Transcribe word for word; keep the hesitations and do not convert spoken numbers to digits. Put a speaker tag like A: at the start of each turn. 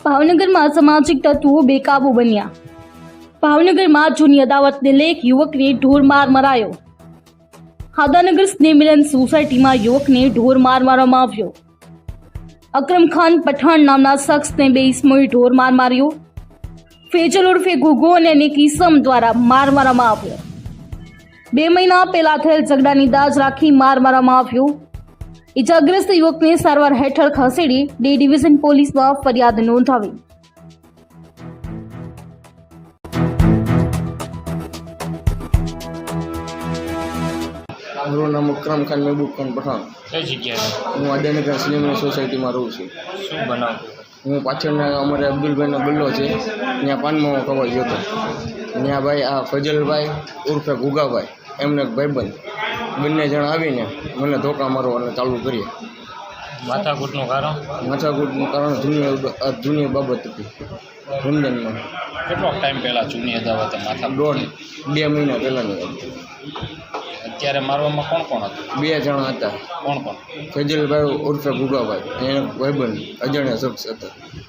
A: ભાવનગરમાં અસામાજિક તત્વો બેકાબુ બન્યા। ભાવનગરમાં જૂની અદાવતને લેખ યુવકને ઢોર માર મરાયો। હાદાનગર સ્નેહમિલન સોસાયટીમાં યુવકને ઢોર માર મારવામાં આવ્યો। અકરમ ખાન પઠાણ નામના શખ્સને બે ઇસમોએ ઢોર માર માર્યો। ફેજલ ઉર્ફે ગુગો અને અનેક ઇસમ દ્વારા માર મારવામાં આવ્યો। બે મહિના પહેલા થયેલ ઝઘડાની દાજ રાખી માર મારવામાં આવ્યો। ઇજાગ્રસ્ત યુવકને સારવાર હેઠળ ખસેડી ડી ડિવિઝન પોલીસમાં ફરિયાદ નોંધાવી।
B: મારું નામ અકરમ ખાન મહેબૂબ ખાન પઠાણ।
C: કઈ જગ્યાએ
B: હું આદાનગર સ્નેહમિલન સોસાયટીમાં રહું છું।
C: શું બનાવ?
B: હું પાછળના અમારે અબ્દુલભાઈનો ગલ્લો છે, ત્યાં પાનમાં કવા ગયો હતો। ત્યાં ભાઈ આ ફજલભાઈ ઉર્ફે ગુગાભાઈ એમને એક ભાઈબંધ બંને જણ આવીને મને ધોકા મારવાને ચાલુ કરીએ।
C: માથાકૂટનું કારણ?
B: માથાકૂટનું કારણ જૂની આ જૂની બાબત હતી રમજાનમાં।
C: કેટલો ટાઈમ પહેલાં જૂની અદાવતે માથા?
B: દોઢ બે મહિના પહેલાંની વાત।
C: અત્યારે મારવામાં કોણ કોણ હતું?
B: બે જણા હતા।
C: કોણ કોણ?
B: ફજલભાઈ ઉર્ફે ગુગાભાઈ એને ભાઈબંધ અજાણ્યા શખ્સ હતા।